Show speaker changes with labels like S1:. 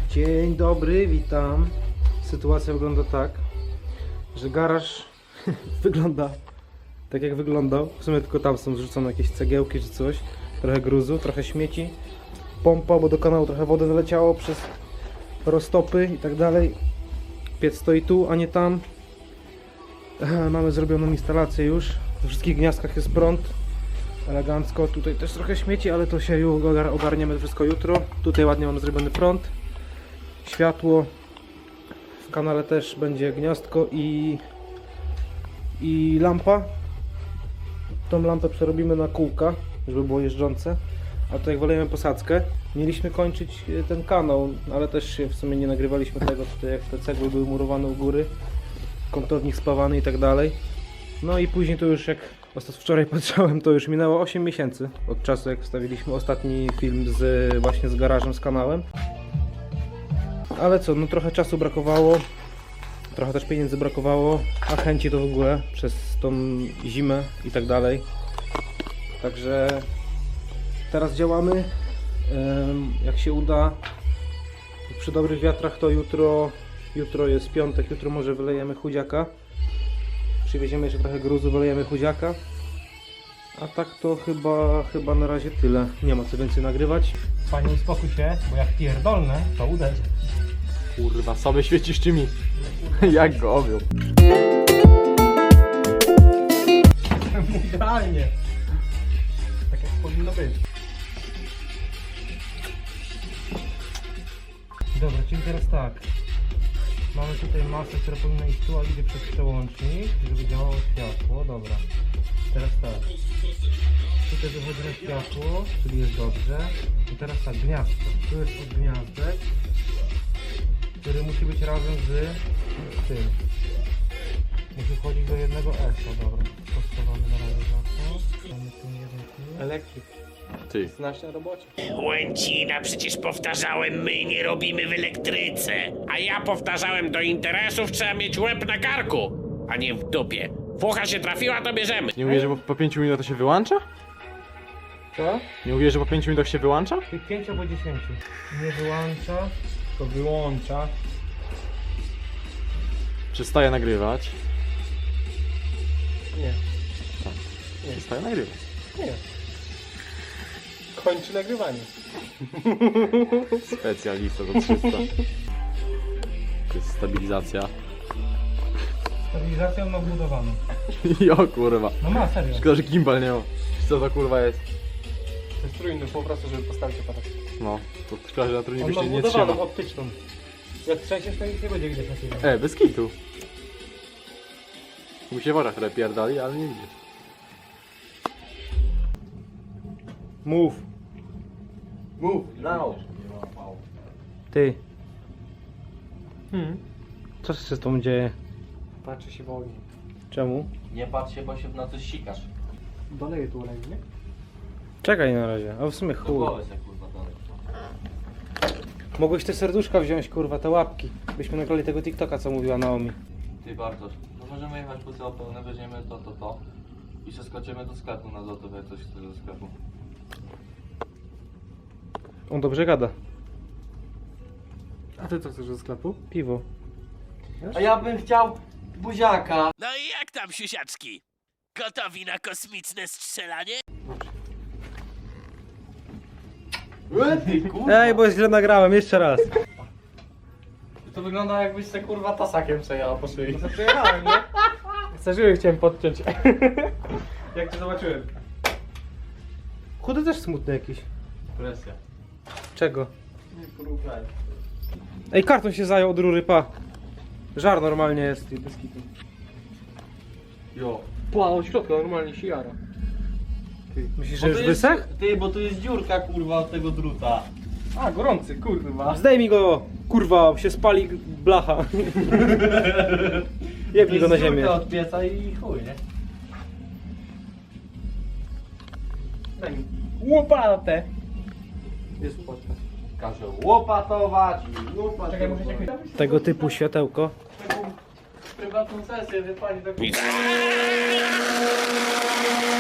S1: Dzień dobry, witam. Sytuacja wygląda tak, że garaż wygląda tak jak wyglądał. W sumie tylko tam są zrzucone jakieś cegiełki czy coś. Trochę gruzu, trochę śmieci. Pompa, bo do kanału trochę wody wyleciało przez roztopy i tak dalej. Piec stoi tu, a nie tam. Mamy zrobioną instalację już. We wszystkich gniazdkach jest prąd. Elegancko. Tutaj też trochę śmieci, ale to się już ogarniemy wszystko jutro. Tutaj ładnie mamy zrobiony prąd. Światło. W kanale też będzie gniazdko i lampa. Tą lampę przerobimy na kółka, żeby było jeżdżące. A tutaj wylejemy posadzkę. Mieliśmy kończyć ten kanał, ale też się w sumie nie nagrywaliśmy tego, tutaj jak te cegły były murowane u góry. Kątownik spawany i tak dalej. No i później to już jak wczoraj patrzyłem, to już minęło 8 miesięcy od czasu jak wstawiliśmy ostatni film właśnie z garażem, z kanałem. Ale co, no trochę czasu brakowało, trochę też pieniędzy brakowało, a chęci to w ogóle przez tą zimę i tak dalej. Także teraz działamy. Jak się uda, przy dobrych wiatrach to jutro jest piątek, jutro może wylejemy chudziaka. Przywieziemy jeszcze trochę gruzu, wylejemy chudziaka. A tak to chyba na razie tyle. Nie ma co więcej nagrywać. Panie, uspokój się, bo jak pierdolne, to uderz.
S2: Kurwa, sobie świecisz czymi. Jak go owił.
S1: Idealnie. Tak jak powinno być. Dobra, czyli teraz tak. Mamy tutaj masę, która powinna iść tu, a idzie przez przełącznik, żeby działało światło. Dobra. Teraz tak. Tutaj wychodzi na światło, czyli jest dobrze. I teraz tak, gniazdko. Tu jest od gniazdek, który musi być razem z tym. Musi wchodzić do jednego S. Dobra. Postawamy na razie za to. Mamy tu jeden tu.
S2: Elektryk. Ty.
S1: Znasz na robocie.
S3: Łęcina, przecież powtarzałem, my nie robimy w elektryce. A ja powtarzałem, do interesów trzeba mieć łeb na karku, a nie w dupie. Fucha się trafiła, to bierzemy.
S2: Nie mówię, że po 5 minutach to się wyłącza?
S1: Co?
S2: Nie mówię, że po 5 minutach się wyłącza?
S1: Tych 5 albo 10. Nie wyłącza, to wyłącza.
S2: Przestaje nagrywać.
S1: Nie.
S2: Przestaje nagrywać.
S1: Nie. Kończy nagrywanie.
S2: Specjalista do 300. To jest stabilizacja.
S1: Stabilizację on ma wbudowaną.
S2: Jo kurwa.
S1: No ma, serio.
S2: Szkoda, że gimbal nie ma. Co to kurwa jest?
S1: To jest trójny po prostu, żeby postawić aparat.
S2: No, to szkoda, że na trudniej
S1: On
S2: by
S1: ma
S2: się nie trzyma.
S1: wbudowaną, optyczną. Jak trzęsiesz, to nic nie będzie widać na filmie.
S2: Bez kitu. Mu się w oczach trochę pierdali, ale nie widzisz.
S1: Move.
S2: Move, now.
S1: Ty. Co się z tą dzieje?
S4: Patrzy się w ogień.
S1: Czemu?
S4: Nie patrz się, bo się na coś sikasz.
S1: Doleję tu olej, nie? Czekaj na razie, a w sumie
S4: Do
S1: chuj.
S4: głowy się kurwa dalej.
S1: Mogłeś te serduszka wziąć, kurwa, te łapki. Byśmy nagrali tego TikToka, co mówiła Naomi.
S4: Ty Bartosz, no możemy jechać po całe pełne, weźmiemy to i przeskoczymy do sklepu na złoto, jak coś chce do sklepu.
S1: On dobrze gada.
S2: A ty co chcesz do sklepu?
S1: Piwo.
S4: A ja bym chciał buziaka.
S3: No i jak tam, siusiaczki? Gotowi na kosmiczne strzelanie?
S4: Ty kurwa.
S1: Ej, bo źle nagrałem, jeszcze raz.
S4: To wygląda jakbyś se kurwa tasakiem przejechał po szyi.
S1: No to przejechałem, nie? Starzyły chciałem podciąć. Jak cię zobaczyłem. Chudy też smutny jakiś.
S4: Presja.
S1: Czego?
S4: Nie porównaj.
S1: Ej, karton się zajął od rury, pa. Żar normalnie jest. Bez kitu.
S4: Jo.
S1: Pa, od środka normalnie się jara. Myślisz, że
S4: Bo
S1: już
S4: tu jest-
S1: wysech?
S4: Ty, bo tu jest dziurka kurwa od tego druta.
S1: A, gorący, kurwa. Zdejmij go, kurwa, się spali blacha. Jebnij go na ziemię.
S4: Dziurka od pieca i chuj, nie?
S1: Daj mi. Łopatę.
S4: Jest łopatka. Każe łopatować i łopatować.
S1: Czekaj, muszę cię... Tego typu światełko.
S4: Prywatną sesję, wie pani, tak...
S3: I-